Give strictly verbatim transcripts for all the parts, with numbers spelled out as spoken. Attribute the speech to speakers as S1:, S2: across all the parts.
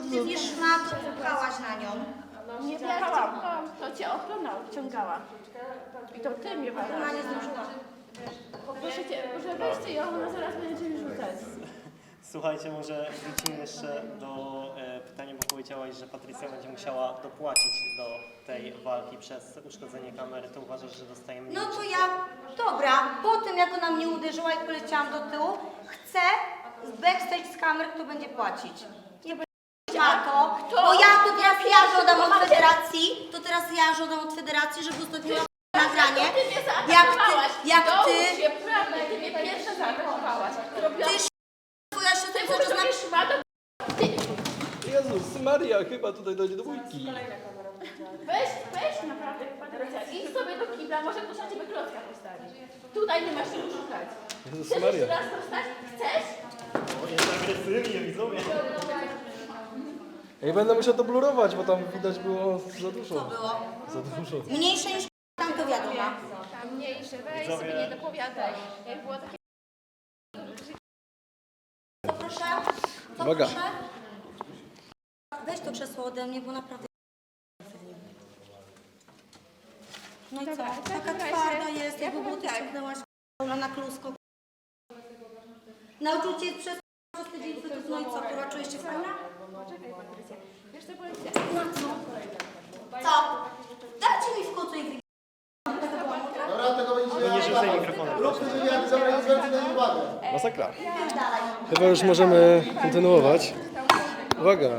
S1: Ty nie szmato, pukałaś na nią.
S2: Nie płakałam, to cię ochrona wciągała. I to ty mnie
S1: Ona
S2: badasz.
S1: nie zdążyła.
S2: Proszę cię, proszę weźcie ją, ona zaraz będzie cię rzucać.
S3: Słuchajcie, może wrócimy jeszcze do e, pytania, bo powiedziałaś, że Patrycja będzie musiała dopłacić do tej walki przez uszkodzenie kamery. To uważasz, że dostajemy...
S1: No to ja, dobra, po tym jak ona mnie uderzyła i poleciałam do tyłu, chcę z backstage z kamer, kto będzie płacić. Nie będzie na to, bo ja to teraz ja żądam od federacji, to teraz ja żądam od federacji, żeby ustawiła nagranie.
S2: Ty mnie
S1: Jak
S2: zaatakowałaś.
S1: ty, jak ty,
S2: Dołóż się, prawda, ty mnie pierwsza zaatakowałaś. Robiłaś
S1: ty twoja siostra,
S2: ty
S1: co to znaczy?
S2: szmato.
S4: Jezus Maria, chyba tutaj dojdzie do bójki.
S2: Weź, weź naprawdę, Patrycja, idź sobie do kibla, może ktoś na ciebie klocka postawi. Tutaj nie masz czego szukać.
S4: Jezus
S2: Chcesz
S4: Maria.
S2: jeszcze raz to wstać? Chcesz?
S3: O, jest agresywnie, widzowie.
S4: Ej, będę musiał to blurować, bo tam widać było za dużo.
S1: Co było?
S4: Za dużo.
S1: Mniejsze niż tam to wiadomo.
S2: Tam mniejsze, weź
S3: Widzowie.
S2: sobie nie dopowiadaj. Jak było takie...
S1: Co proszę? Co
S4: Uwaga.
S1: proszę? Weź to krzesło ode mnie, bo naprawdę... No i co?
S2: Dobra, w
S1: Taka
S2: takim razie
S1: twarda jest,
S2: ja
S1: jakby
S2: powiem
S1: buty
S2: tak.
S1: ściągnęłaś ona na klusko. Nauczył cię przez, przez tydzień cytów, no i co? Kurwa, czujesz się fajna?
S2: Czekaj, Patrycja. Wiesz co powiem ci?
S1: No co? Co? Dajcie mi w kocu i wy...
S5: Dobra, tego będzie
S3: Nie rzucaj mikrofonem.
S5: Rób ty, żeby ja zabrać zwrócić na uwagę.
S4: Masakra.
S1: Dalej.
S4: Chyba już możemy kontynuować. Uwaga.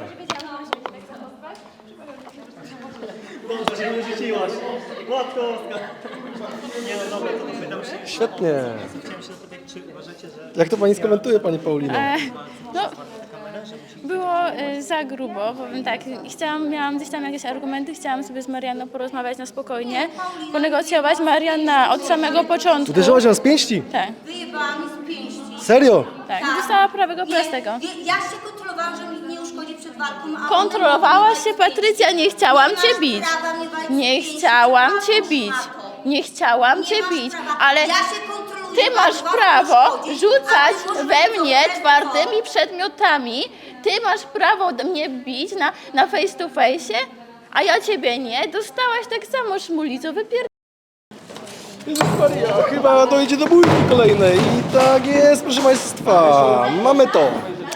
S3: Dobrze, że nie rzuciłaś. Matko Boska. Nie no dobra, to dopytam się.
S4: Świetnie.
S3: Chciałem się zapytać, czy uważacie, że...
S4: Jak to pani skomentuje, pani Paulino?
S6: No, było y, za grubo, powiem tak, chciałam, miałam gdzieś tam jakieś argumenty, chciałam sobie z Marianną porozmawiać na spokojnie, ponegocjować. Marianna od samego początku...
S4: Uderzyłaś ją z pięści?
S6: Tak,
S1: Wyjebała mi z pięści.
S4: Serio?
S6: tak, dostała prawego
S1: Nie,
S6: prostego.
S1: wie- Ja się kontrolowałam, że mi nie uszkodzi przed walką, a
S6: Kontrolowałaś się, Patrycja, nie chciałam
S1: Nie
S6: cię
S1: masz
S6: bić.
S1: prawa mnie walić
S6: Nie
S1: z pięści
S6: chciałam
S1: przed
S6: cię
S1: walką,
S6: bić.
S1: szmato.
S6: Nie chciałam
S1: Nie
S6: cię
S1: masz
S6: bić,
S1: prawa.
S6: ale
S1: Ja się kontroluję,
S6: ty masz
S1: bardzo
S6: prawo
S1: łatwo szkodzić,
S6: rzucać
S1: a ty możesz
S6: we
S1: być
S6: mnie
S1: dobrego.
S6: twardymi przedmiotami. Ty masz prawo do mnie bić na, na face to face, a ja ciebie nie. Dostałaś tak samo szmulico, wypier...
S4: Jezus Maria, chyba dojdzie do bójki kolejnej. I tak jest, proszę państwa. Mamy to.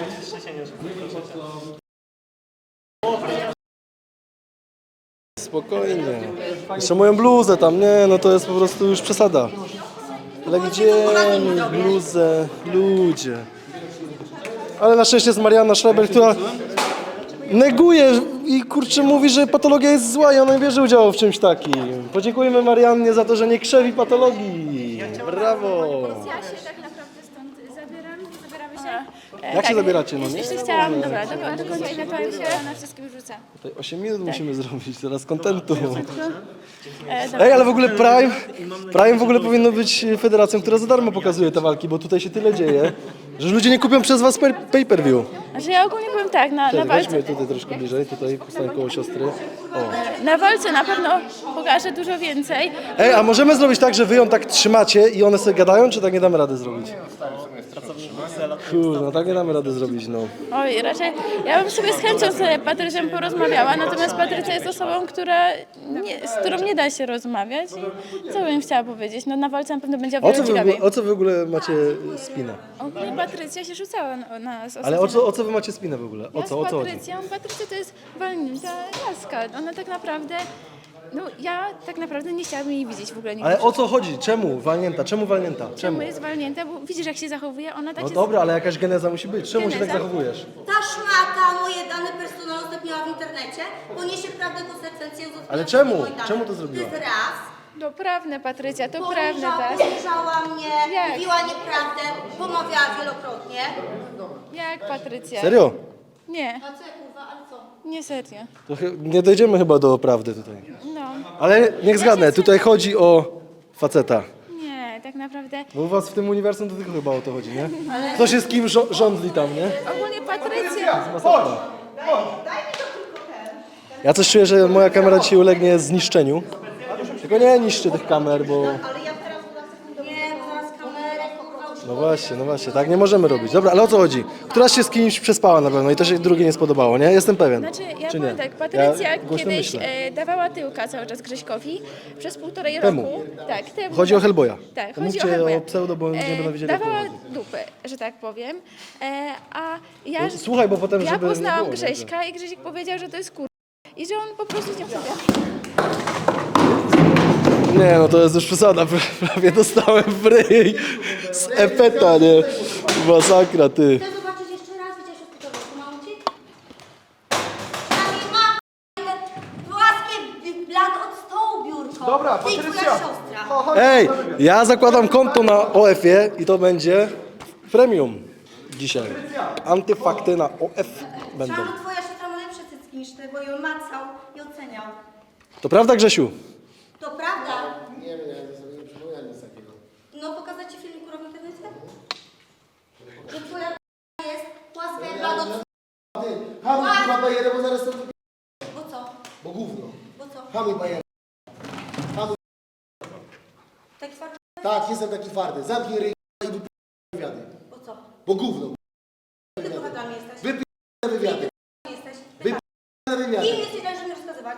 S4: Spokojnie. Jeszcze moją bluzę tam, nie, no to jest po prostu już przesada. Ale gdzie mi bluzę, ludzie. Ale na szczęście jest Marianna Schreiber, która neguje i kurczę mówi, że patologia jest zła i ona nie bierze udziału w czymś takim. Podziękujemy Mariannie za to, że nie krzewi patologii. Brawo.
S2: Ja się tak naprawdę stąd zabieram, zabieramy się.
S4: Jak się zabieracie, no nie?
S6: Jeśli chciałam, dobra, do, do końca ile to się
S2: Na wszystkim rzucę.
S4: Tutaj osiem minut musimy zrobić, teraz kontentu.
S6: e, dobra.
S4: Ej, ale w ogóle Prime, Prime w ogóle powinno być federacją, która za darmo pokazuje te walki, bo tutaj się tyle dzieje, że ludzie nie kupią przez was per- pay-per-view.
S6: Że ja ogólnie powiem tak, na, na
S4: Cześć,
S6: walce,
S4: weźmy tutaj troszkę bliżej, tutaj postań koło siostry. O.
S6: na walce na pewno pokażę dużo więcej.
S4: Ej, a możemy zrobić tak, że wy ją tak trzymacie i one sobie gadają, czy tak nie damy rady zrobić?
S3: Pracownik Bruksela.
S4: Kurwa, no tak nie damy rady zrobić, no.
S6: Oj, raczej ja bym sobie z chęcią z Patrycją porozmawiała, natomiast Patrycja jest osobą, która nie, z którą nie da się rozmawiać i co bym chciała powiedzieć, no na walce na pewno będzie o
S4: O
S6: wiele
S4: co wy, w
S6: ciekawiej.
S4: ogóle- o co wy w ogóle macie spinę?
S2: Ogólnie Patrycja się rzucała na nas.
S4: Ale o co, o co wy macie spinę w ogóle? O
S2: Ja
S4: co, o
S2: z
S4: co chodzi?
S2: Patrycją, Patrycja to jest walnięta laska. Ona tak naprawdę, no ja tak naprawdę nie chciałabym jej widzieć w ogóle nigdy.
S4: Ale o co chodzi? Czemu walnięta? Czemu walnięta? Czemu?
S2: Czemu jest walnięta? Bo widzisz jak się zachowuje, ona tak
S4: No
S2: się...
S4: dobra, ale jakaś geneza musi być. Czemu się tak
S2: Geneza?
S4: zachowujesz?
S1: Ta szmata moje dane personalne udostępniała w internecie, poniesie prawdę konsekwencje z
S4: Ale czemu? Czemu to zrobiła?
S1: To jest raz.
S2: To prawne, Patrycja, to prawne,
S1: Poniżała,
S2: tak?
S1: poniżała mnie,
S2: Jak?
S1: mówiła nieprawdę, pomawiała wielokrotnie.
S2: Jak Patrycja?
S4: Serio?
S2: Nie,
S1: A co kurwa, ale co?
S2: nie serio.
S4: To chy- nie dojdziemy chyba do prawdy tutaj.
S2: No,
S4: Ale niech zgadnę, tutaj chodzi o faceta.
S2: nie, tak naprawdę.
S4: Bo u was w tym uniwersum to tylko chyba o to chodzi, nie? Kto się z kim żo- rządli tam, nie?
S2: Ogólnie Patrycja,
S4: Ja coś czuję, że moja kamera dzisiaj ulegnie zniszczeniu. Tylko nie niszczy tych kamer, bo...
S1: Nie, bo zaraz kamerę, kurwa,
S4: No właśnie, no właśnie, tak nie możemy robić. Dobra, ale o co chodzi? Któraś się z kimś przespała na pewno i to się drugie nie spodobało, nie? Jestem pewien.
S6: Znaczy, ja
S4: Czy
S6: powiem
S4: nie?
S6: tak, Patrycja
S4: Ja głośno
S6: kiedyś
S4: myślę.
S6: e, dawała tyłka cały czas Grześkowi przez półtorej
S4: Temu.
S6: roku. Tak, temu.
S4: Chodzi o Hellboya.
S6: Tak,
S4: To
S6: chodzi
S4: mówcie
S6: o Hellboya.
S4: o pseudo, bo ludzie będą wiedzieli, jak to
S6: Dawała
S4: chodzi.
S6: dupę, że tak powiem. E, a ja,
S4: No, słuchaj, bo potem,
S6: ja
S4: żeby nie
S6: poznałam
S4: było, nie?
S6: Grześka i Grzesiek powiedział, że to jest kur... I że on po prostu z nią sobie.
S4: Nie, no to jest już przesada, prawie dostałem w ryj z epeta, nie? Masakra, ty.
S1: Chcę zobaczyć jeszcze raz, widziałeś hospitalowe, pomału ci? Przynajmniej ma te płaskie blat od stołu biurko.
S4: Dobra,
S1: Ty i twoja
S4: Patrycja.
S1: siostra.
S4: Ej, ja zakładam konto na O F-ie i to będzie premium dzisiaj. Antyfakty na O F będą.
S1: Czarno, twoja siostra ma lepsze cycki niż ty, bo ją macał i oceniał.
S4: To prawda, Grzesiu?
S1: To prawda?
S5: Nie wiem, ja sobie nie przypominam nic takiego.
S1: No pokazać ci filmik w internecie? Że twoja jest płaska jak blat od stołu.
S5: Ty, hamuj kurwa bajerę, bo zaraz to wypi...
S1: Bo co?
S5: Bo gówno.
S1: Bo co?
S5: Hamuj bajerę. Hamuj.
S1: Tak twardo?
S5: Tak, jestem taki twardy. Zamknij ryj i wypi... wywiady.
S1: Bo co?
S5: Bo gówno.
S1: Ty bohaterami jesteś.
S5: Wypi... wywiady.
S1: Ty jesteś.
S5: Wypi... wywiady.
S1: Kim jesteś, żeby mnie rozkazywać?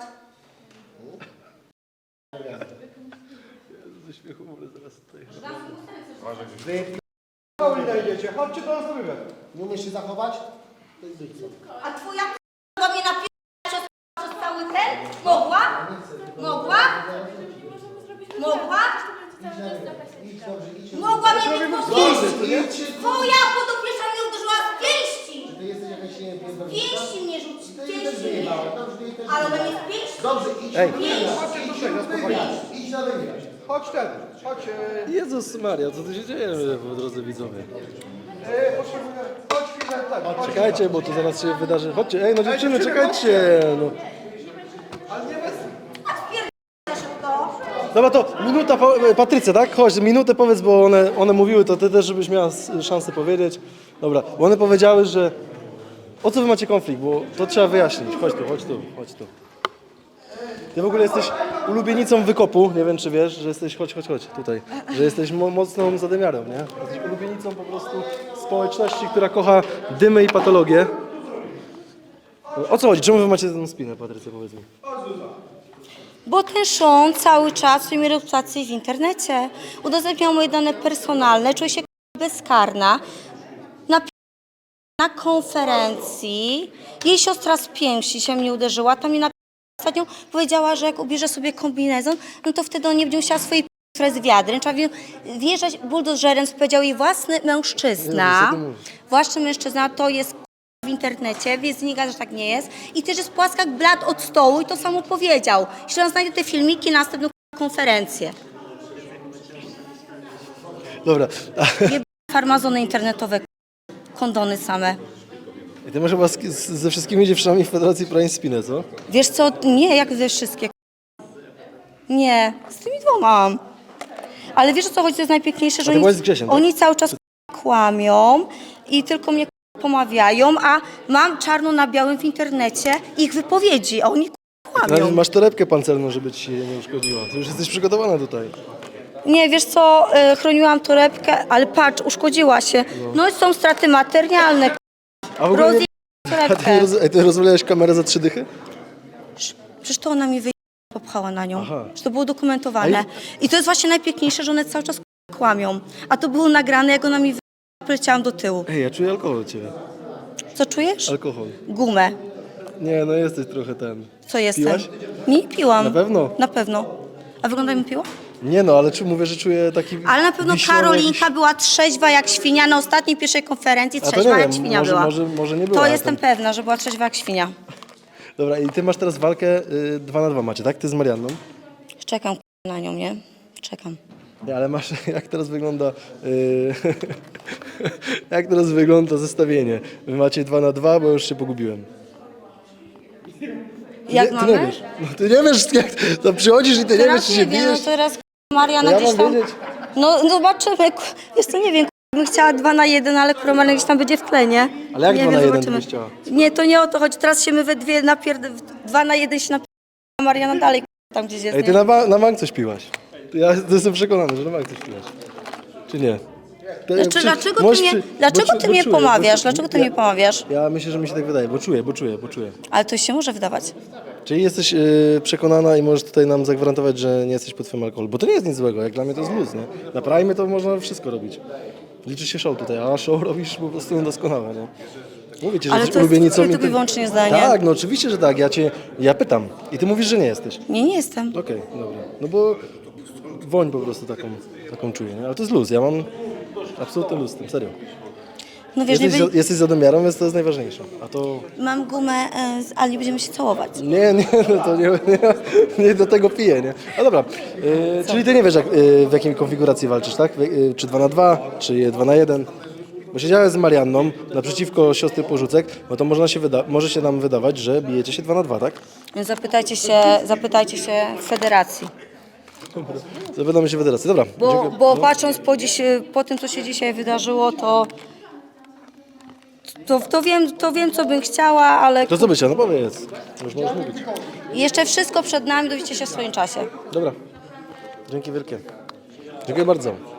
S5: Wypi...
S7: Chodźcie do nas na wywiad.
S5: Nie umiesz się zachować? To jest dykcja.
S1: A twoja k***a mnie napisać przez, przez cały ten? Mogła? Mogła? Mogła?
S5: Idź dobrze, idź.
S1: Mogła mnie mieć po pięści!
S5: Idź się.
S1: Twoja podopieczna mnie uderzyła z pięści!
S5: Ty jesteś jakaś, nie wiem, pierdolniczka?
S1: Pięści mnie rzuci,
S5: Ty jej też
S1: pięści mnie.
S5: wyjebałem. Dobrze, ty jej też
S1: Ale ona
S5: wyjebałem.
S1: mnie z pięści.
S5: Dobrze, idź.
S4: Ej.
S5: Idź na wywiad. Idź na wywiad.
S7: Chodź ten, chodź. E,
S4: Jezus Maria, co tu się dzieje, drodzy widzowie?
S7: e, potrzebuję, chodź chwilę, tak. Chodź.
S4: Czekajcie, bo tu zaraz się wydarzy. Chodźcie, ej, no dziewczyny, czekajcie! No.
S7: Ale nie bez...
S1: Za szybko.
S4: Dobra, to minuta, po- Patrycja, tak? Chodź, minutę powiedz, bo one, one mówiły, to ty też, żebyś miała s- szansę powiedzieć. Dobra, bo one powiedziały, że... O co wy macie konflikt, bo to trzeba wyjaśnić. Chodź tu, chodź tu, chodź tu. Ty w ogóle jesteś ulubienicą wykopu, nie wiem czy wiesz, że jesteś, chodź, chodź, chodź, tutaj, że jesteś mo- mocną zadymiarą, nie? Jesteś ulubienicą po prostu społeczności, która kocha dymy i patologię. O co chodzi? Czemu wy macie tę spinę, Patrycja, powiedz mi?
S1: Bo ten Sean cały czas swojej reputacji w internecie udostępniał moje dane personalne, czuję się bezkarna. Na, na konferencji jej siostra z pięści się mnie uderzyła, tam mi na ostatnio powiedziała, że jak ubierze sobie kombinezon, no to wtedy on nie będzie musiała swojej p***, z wiadrem. Trzeba wie- wjeżdżać buldożerem, co powiedział jej własny mężczyzna.
S4: Nie, co ty mówisz?
S1: Własny mężczyzna to jest w internecie, więc nie gada, że tak nie jest. I też jest płaska jak blat od stołu i to samo powiedział. Jeśli on znajdzie te filmiki na następną konferencję.
S4: Dobra,
S1: Farmazony internetowe, kondony same.
S4: i ty masz chyba z, z, ze wszystkimi dziewczynami w Federacji Prań spinę, co?
S1: Wiesz co, nie, jak ze wszystkie. Nie, z tymi dwoma. Ale wiesz o co chodzi, to jest najpiękniejsze, że
S4: ty
S1: oni,
S4: byłaś z Grzesiem, tak?
S1: oni cały czas kłamią i tylko mnie pomawiają, a mam czarno na białym w internecie ich wypowiedzi, a oni kłamią.
S4: Masz torebkę pancerną, żeby ci się nie uszkodziła. Ty już jesteś przygotowana tutaj.
S1: Nie, wiesz co, y, chroniłam torebkę, ale patrz, uszkodziła się. No i są straty materialne,
S4: A w ogóle
S1: rozje...
S4: nie, a ty,
S1: torebkę.
S4: roz, ej, ty rozwalałeś kamerę za trzy dychy?
S1: Przecież to ona mi wyjęła, popchała na nią.
S4: Aha.
S1: Że to było dokumentowane. I to jest właśnie najpiękniejsze, że one cały czas kłamią. A to było nagrane, jak ona mi wyjęła, poleciałam do tyłu.
S4: Ej, ja czuję alkohol od ciebie.
S1: Co czujesz?
S4: Alkohol.
S1: Gumę.
S4: Nie, no jesteś trochę ten.
S1: Co jestem?
S4: Piłaś?
S1: Nie piłam.
S4: Na pewno?
S1: Na pewno. A wygląda jakbym piła?
S4: Nie no, ale czy mówię, że czuję taki...
S1: Ale na pewno
S4: wiśniowy
S1: Karolinka
S4: jakiś-
S1: była trzeźwa jak świnia na ostatniej pierwszej konferencji.
S4: A to
S1: Trzeźwa
S4: nie
S1: jak
S4: wiem,
S1: świnia
S4: może,
S1: była.
S4: może, może nie była.
S1: To
S4: a
S1: jestem
S4: ten-
S1: pewna, że była trzeźwa jak świnia.
S4: Dobra, i ty masz teraz walkę y, dwa na dwa macie, tak? Ty z Marianną.
S1: Czekam na nią, nie? Czekam.
S4: Nie, ale masz, jak teraz wygląda... Y, jak teraz wygląda zestawienie? Wy macie dwa na dwa, bo już się pogubiłem.
S1: Jak
S4: nie,
S1: mamy?
S4: Ty nie wiesz. No, ty nie wiesz, jak to przychodzisz i ty nie wiesz,
S1: Teraz
S4: czy
S1: nie
S4: się
S1: wiem, no
S4: bijesz.
S1: teraz Mariana
S4: To ja
S1: gdzieś
S4: mam
S1: tam...
S4: wiedzieć?
S1: No zobaczymy. Wiesz co, nie wiem, bym chciała dwa na jeden, ale kurwa Mariana gdzieś tam będzie w tle, nie?
S4: Ale jak
S1: nie
S4: dwa
S1: wiem,
S4: na jeden
S1: zobaczymy.
S4: byś chciała?
S1: Nie, to nie o to chodzi. Teraz się my we dwie napierd... Dwa na jeden się napierd... a Mariana dalej tam gdzieś jest,
S4: Ej, ty
S1: nie?
S4: na, ba- na bank coś piłaś. Ja jestem przekonany, że na bank coś piłaś. Czy nie? To-
S1: Znaczy,
S4: czy-
S1: dlaczego ty
S4: możesz
S1: mnie,
S4: przy-
S1: dlaczego
S4: bo
S1: ty
S4: czu-
S1: mnie
S4: bo czuję,
S1: pomawiasz?
S4: bo-
S1: Dlaczego ty
S4: ja-
S1: mnie pomawiasz?
S4: Ja myślę, że mi się tak wydaje, bo czuję, bo czuję, bo czuję.
S1: Ale to się może wydawać.
S4: Czyli jesteś yy, przekonana i możesz tutaj nam zagwarantować, że nie jesteś pod wpływem alkoholu, bo to nie jest nic złego, jak dla mnie to jest luz, nie? Na Prime to można wszystko robić. Liczy się show tutaj, a show robisz po prostu doskonale, nie? Mówię ci, że
S1: Ale
S4: jesteś
S1: to jest
S4: ulubienicą.
S1: twoje
S4: i
S1: tylko
S4: ty-
S1: i wyłącznie zdanie.
S4: Tak, no oczywiście, że tak, ja cię, ja pytam i ty mówisz, że nie jesteś.
S1: Nie, nie jestem.
S4: Okej, dobra, no bo woń po prostu taką, taką czuję, nie? Ale to jest luz, ja mam absolutny luz z tym, serio.
S1: No wiesz, nie
S4: Jesteś, za,
S1: będzie...
S4: jesteś za domiarą, więc to jest najważniejsze, a to...
S1: mam gumę e, z Ali, będziemy się całować.
S4: Nie, nie, no to nie, nie, nie do tego piję, nie? No dobra, yy, czyli ty nie wiesz jak, yy, w jakiej konfiguracji walczysz, tak? Yy, czy dwa na dwa, czy dwa na jeden? Bo siedziałem z Marianną naprzeciwko siostry Porzucek, no to można się wyda- może się nam wydawać, że bijecie się dwa na dwa, tak?
S1: Więc zapytajcie się, zapytajcie się w federacji.
S4: Zapytamy się federacji, dobra.
S1: Bo,
S4: dziękuję.
S1: bo patrząc po, dziś, po tym, co się dzisiaj wydarzyło, to, to, to, wiem, to wiem, co bym chciała, ale
S4: To co by chciał? No powiedz, już możesz mówić.
S1: jeszcze wszystko przed nami, dowiecie się w swoim czasie.
S4: Dobra, dzięki wielkie. Dziękuję bardzo.